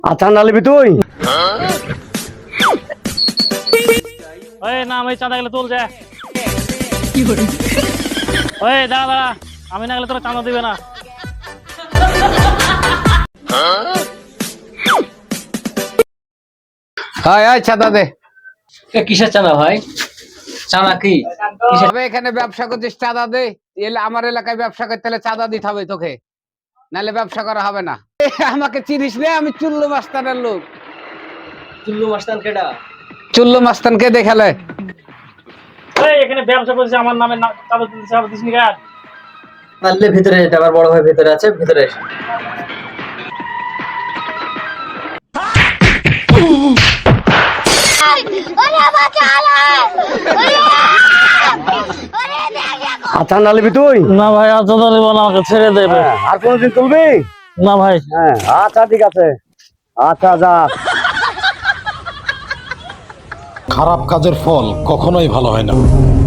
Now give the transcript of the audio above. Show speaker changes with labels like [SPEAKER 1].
[SPEAKER 1] আচ্ছা নালিবি তুই
[SPEAKER 2] ওই না আমি চাঁদা গেলে তুল যা ওই দাঁড়া দাঁড়া আমি না গেলে তোরা চাঁদা দিবে না
[SPEAKER 3] হয় হয় চাঁদা দে।
[SPEAKER 4] কিসের চাঁদা ভাই? চাঁদা কি?
[SPEAKER 3] তবে এখানে ব্যবসা করছিস চাঁদা দে। এলে আমার এলাকায় ব্যবসা করতে হলে চাঁদা দিতে হবে তোকে, নাহলে ব্যবসা করা হবে না। আমাকে চিনিস রে, আমি চুল্লু মাস্তানের লোক।
[SPEAKER 4] চুল্লু মাস্তান কেডা?
[SPEAKER 3] চুল্লু মাস্তানকে দেখালে
[SPEAKER 2] এই এখানে ব্যবসা করছিস আমার নামে চাঁদা দিতে হবে দিস নি গার
[SPEAKER 4] পারলে ভিতরে যেতে, আমার বড় ভাই ভিতরে আছে, ভিতরে এসে।
[SPEAKER 1] আচ্ছা নালিবি তুই
[SPEAKER 2] না ভাই আর চাঁদা দিব না আমাকে ছেড়ে দেবে
[SPEAKER 1] আর কোনদিন তুলবি
[SPEAKER 2] না ভাই
[SPEAKER 1] হ্যাঁ আচ্ছা ঠিক আছে আচ্ছা যা
[SPEAKER 5] খারাপ কাজের ফল কখনোই ভালো হয় না।